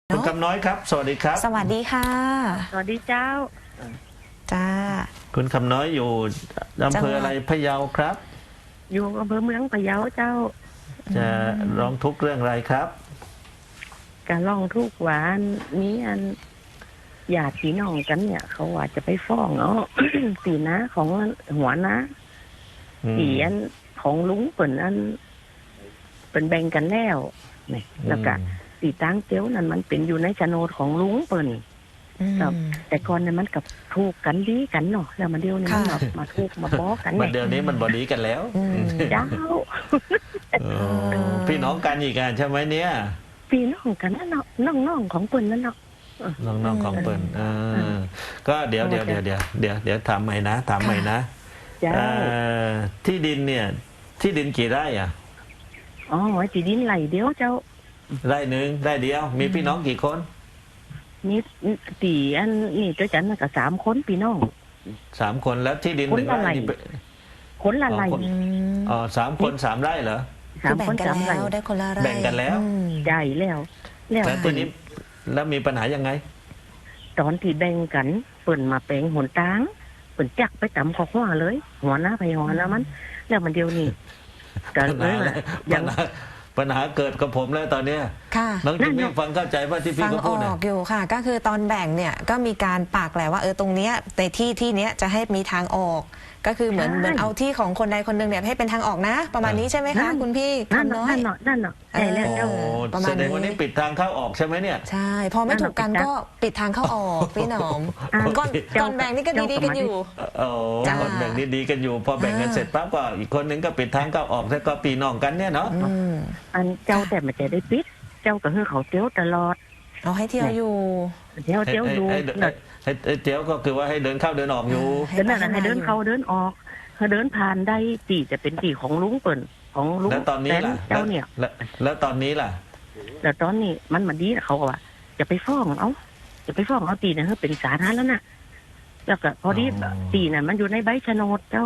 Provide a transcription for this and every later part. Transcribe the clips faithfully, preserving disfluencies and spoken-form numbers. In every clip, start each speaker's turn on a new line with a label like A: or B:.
A: คุณคำน้อยครับสวัสดีครับ
B: สวัสดีค่ะ
C: สวัสดีเจ้า
B: จ้า
A: คุณคำน้อยอยู่อำเภออะไรพะเยาครับ
C: อยู่อำเภอเมืองพะเยาเจ้า
A: จะร้องทุกข์เรื่องอะไรครับ
C: การร้องทุกข์หวานนี้อันญาติพี่น้องกันเนี่ยเขาว่าจะไปฟ้องเนาะ สีนะของหัวนะสีอันของลุงเปิ่นอันเป็นแบ่งกันแล้วนี่แล้วก็สีตั้งเจ้านั้นมันเป็นอยู่ในโฉนดของลุงเปิ่นแต่ก่อนเนี่ยมันกับถูกกันดีกันเนาะแล้วมันเดียวนี้มันมามาถูกมาบอกกัน
A: มันเดี๋ยวนี้มันบอดีกันแล้ว
C: เจ้า
A: พี่น้องกันอีกอ่ะใช่ไหมเนี่ย
C: พี่น้องกันนั่นเนาะน้องๆของเปิ่นนั่นเนาะ
A: น้องๆของเปิ่นก็เดี๋ยวเดี๋ยวเดี๋ยวเดี๋ยวเดี๋ยวเดี๋ยวถามใหม่นะถามใหม่นะที่ดินเนี่ยที่ดินกี่ไร่อ่ะ
C: อ๋อที่ดินไหลเดียวเจ้า
A: ไร่หนึ่งไร่เดียวมีพี่น้องกี่คน
C: นี่ตีอันนี่เจ้าจันก็สามคนพี่น้อง
A: สามคนแล้วที่ดินหนึ่งไร่
C: คนละไร่
A: อ๋อสามคนสามไร่เหรอ
B: สามคนสามไร่ได้คนละไร่
A: แบ่งกันแล้ว
C: ใหญ่แล้ว
A: แล้วทีนี้แล้วมีปัญหายังไง
C: ตอนที่แบ่งกันเปิ่นมาแปลงหนตางเปิ่นจักไปต่ำข้อหัวเลยหัวหน้าไปหัวหน้ามันแล้วมันเดียวนี่
A: กันเลยยังปัญหาเกิดกับผมแล้วตอนนี้น้องจิมมี่ฟังเข้าใจว่าที่พี่เขาพูดนะ
B: ฟังออกอยู่ค่ะก็คือตอนแบ่งเนี่ยก็มีการปากแหละว่าเออตรงเนี้ยในที่ที่เนี้ยจะให้มีทางออกก็คือเหมือนเหมือนเอาที่ของคนใดคนหนึ่งเนี่ยให้เป็นทางออกนะประมาณนี้ใช่ไหมคะคุณพี่
C: คำน้อยนั่นเนาะนั่นเนาะใช่แล้ว
A: แสดงว่านี่ปิดทางเข้าออกใช่ไหมเนี่ย
B: ใช่พอไม่ถูกกันก็ปิดทางเข้าออกพี่หนอมก่อนก่อนแบ่งนี่ก็ดีๆกันอยู่
A: โอ้ก่อนแบ่งนี่ดีกันอยู่พอแบ่งกันเสร็จปั๊บก็อีกคนนึงก็ปิดทางเข้าออกแล้วก็ปีน้องกันเนี่ยเนาะ
C: อันเจ้าแต่มันจะได้ปิดเจ้าก็คือเขาเที่ยวตลอด
B: เราให้เที่ยวอยู่
C: เที่ยวเที่ยวอยู่
A: ให้เที่ยวก็คือว่าให้เดินเข้าเดินออกอยู่
C: เดินนั่นให้เดินเข้าเดินออกเขาเดินผ่านได้ตีจะเป็นตีของลุงเปิ่นของลุง
A: แล้วตอนนี้ล่ะ
C: เจ้าเนี่ย
A: แล้วตอนนี้ล่ะ
C: แล้วตอนนี้มันมาดีเขาว่าจะไปฟ้องเอาจะไปฟ้องเอาตีเนี่ยเขาเป็นสาธารณะแล้วนะแล้วก็พอดีตีน่ะมันอยู่ในใบโฉนดเจ้า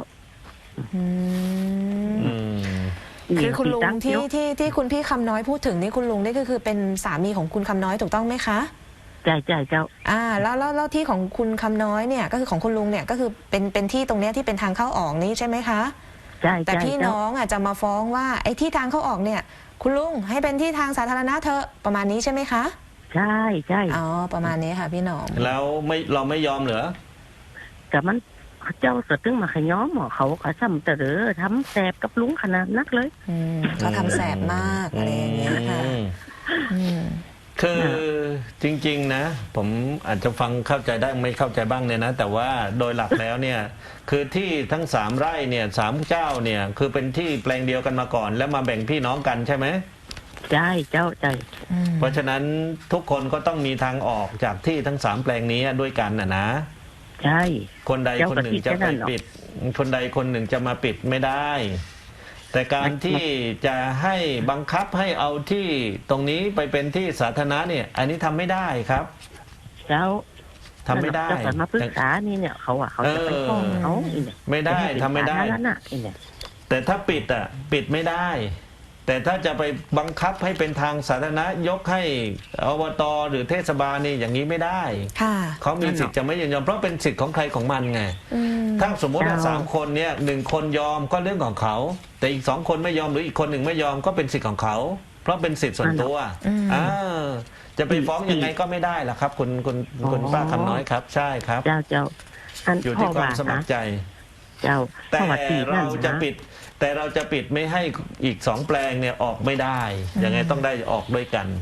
B: คือคุณลุงที่ที่ที่คุณพี่คำน้อยพูดถึงนี่คุณลุงนี่ก็คือเป็นสามีของคุณคำน้อยถูกต้องไหมคะ
C: ใช่ใช่เจ้า
B: อ่าแล้วแล้วแล้วที่ของคุณคำน้อยเนี่ยก็คือของคุณลุงเนี่ยก็คือเป็นเป็นที่ตรงเนี้ยที่เป็นทางเข้าออกนี้ใช่ไหมคะ
C: ใช่
B: แต่พี่น้องอ่ะจะมาฟ้องว่าไอ้ที่ทางเข้าออกเนี่ยคุณลุงให้เป็นที่ทางสาธารณะเถอะประมาณนี้ใช่ไหมคะ
C: ใช่ใช่
B: อ๋อประมาณนี้ค่ะพี่น้อง
A: แล้วไม่เราไม่ยอมเหรอ
C: แต่มันเจ้าสตึงมาขย้อมหมอเขาเขาทำแต่เด้อทำแสบกับลุงขนาดนักเลย
B: เขาทำแสบมากอะไรอย่างเงี้ยค่ะ
A: คือจริงๆนะผมอาจจะฟังเข้าใจได้ไม่เข้าใจบ้างเนี่ยนะแต่ว่าโดยหลักแล้วเนี่ยคือที่ทั้งสามไร่เนี่ยสามเจ้าเนี่ยคือเป็นที่แปลงเดียวกันมาก่อนแล้วมาแบ่งพี่น้องกันใช่ไหม
C: ใช่เจ้าใช่
A: เพราะฉะนั้นทุกคนก็ต้องมีทางออกจากที่ทั้งสามแปลงนี้ด้วยกันนะนะ
C: ใช่
A: คนใดคนหนึ่งจะไปปิดคนใดคนหนึ่งจะมาปิดไม่ได้แต่การที่จะให้บังคับให้เอาที่ตรงนี้ไปเป็นที่สาธารณะเนี่ยอันนี้ทำไม่ได้ครับ
C: แล้ว
A: ทำไม่ได้
C: แต่มาปรึกษานี่เนี่ยเขาอ่ะเขาจะไปฟ้องเขา
A: ไม่ได้ทำไม่ได้แต่ถ้าปิดอ่ะปิดไม่ได้แต่ถ้าจะไปบังคับให้เป็นทางสาธารณะยกให้อบต.หรือเทศบาลนี่อย่างนี้ไม่ได้เขามีสิทธิ์จะไม่ยินยอมเพราะเป็นสิทธิ์ของใครของมันไงถ้าสมมติว่าสามคนเนี่ยหนึ่งคนยอมก็เรื่องของเขาแต่อีกสองคนไม่ยอมหรืออีกคนหนึ่งไม่ยอมก็เป็นสิทธิ์ของเขาเพราะเป็นสิทธิ์ส่วนตัวอ่าจะไปฟ้องยังไงก็ไม่ได้ล่ะครับคุณคุณคุณป้าคำน้อยครับใช่ครับ
C: เจ้าเจ้า
A: อยู่ที่ความสมัครใจ
C: เจ้า
A: แต่เราจะปิดแต่เราจะปิดไม่ให้อีกสองแปลงเนี่ยออกไม่ได้ยังไงต้องได้ออกด้วยกัน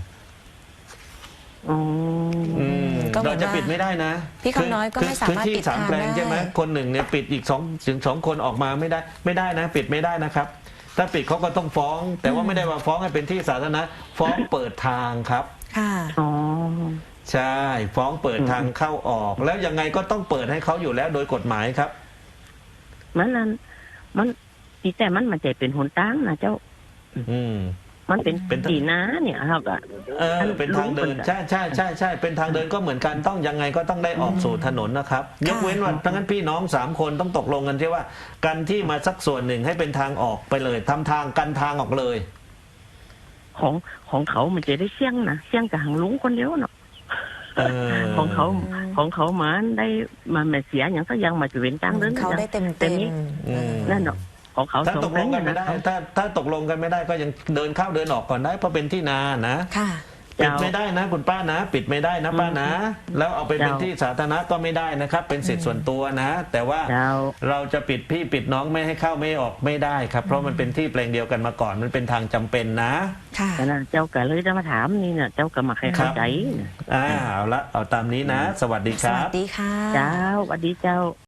A: เราจะปิดไม่ได้นะ
B: พี่คำน้อยก็ไม่สามารถปิด
A: สามแปลงใช่ไหมคนหนึ่งเนี่ยปิดอีกสองถึงสองคนออกมาไม่ได้ไม่ได้นะปิดไม่ได้นะครับถ้าปิดเขาก็ต้องฟ้องแต่ว่าไม่ได้มาฟ้องให้เป็นที่สาธารณะฟ้องเปิดทางครับ
B: ค่ะ
C: อ๋อ
A: ใช่ฟ้องเปิดทางเข้าออกแล้วยังไงก็ต้องเปิดให้เขาอยู่แล้วโดยกฎหมายครับ
C: มันนั้นมันตีแต่มันมันจะเป็นหนตั้งนะเจ้า
A: อืม
C: มันเป็นเป็นตีน้าเนี่ยเราก็
A: เออเป็นทางเดินใช่ใช่ใช่ใช่เป็นทางเดินก็เหมือนกันต้องยังไงก็ต้องได้ออกสู่ถนนนะครับยกเว้นว่าทั้งนั้นพี่น้องสามคนต้องตกลงกันใช่ว่ากันที่มาสักส่วนหนึ่งให้เป็นทางออกไปเลยทำทางกันทางออกเลย
C: ของของเขามันจะได้เสี่ยงนะเสี่ยงกับหางลุงคนเดียวเนาะ
A: เออ
C: ของเขาของเขามาได้มาแม่เสียอย่างสักอย่างมาจะเป็นตังเดิน
B: เขาได้เต็ม
C: เต็
B: เต็
C: ม
B: ม
C: นี้ นั่นเนาะของเขา
A: ถ้าตกลงกันไม่ได้
C: นะ
A: ถ้าถ้าตกลงกันไม่ได้ก็ยังเดินเข้าเดินออกก่อนได้เพราะเป็นที่นานะ
B: ค่ะ
A: ปิดไม่ได้นะคุณป้านะ ปิดไม่ได้นะป้านะ แล้วเอาไปเป็น
C: เจ้า
A: ที่สาธารณะก็ไม่ได้นะครับ เป็นสิทธิส่วนตัวนะ แต่ว่า
C: เจ้า
A: เราจะปิดพี่ปิดน้องไม่ให้เข้าไม่ออกไม่ได้ครับ เพราะมันเป็นที่แปลงเดียวกันมาก่อนมันเป็นทางจำเป็นนะ
B: ค่ะ
C: แต่นะเจ้าก็เลยจะมาถามนี่เนี่ยเจ้าก็มาให้เข้าใจ
A: อ่าเอาละเอาตามนี้นะ สวัสดีค
B: ส
A: รั
B: วั
A: บ
B: สดีค่ะ
C: เจ้าสวัสดีเจ้า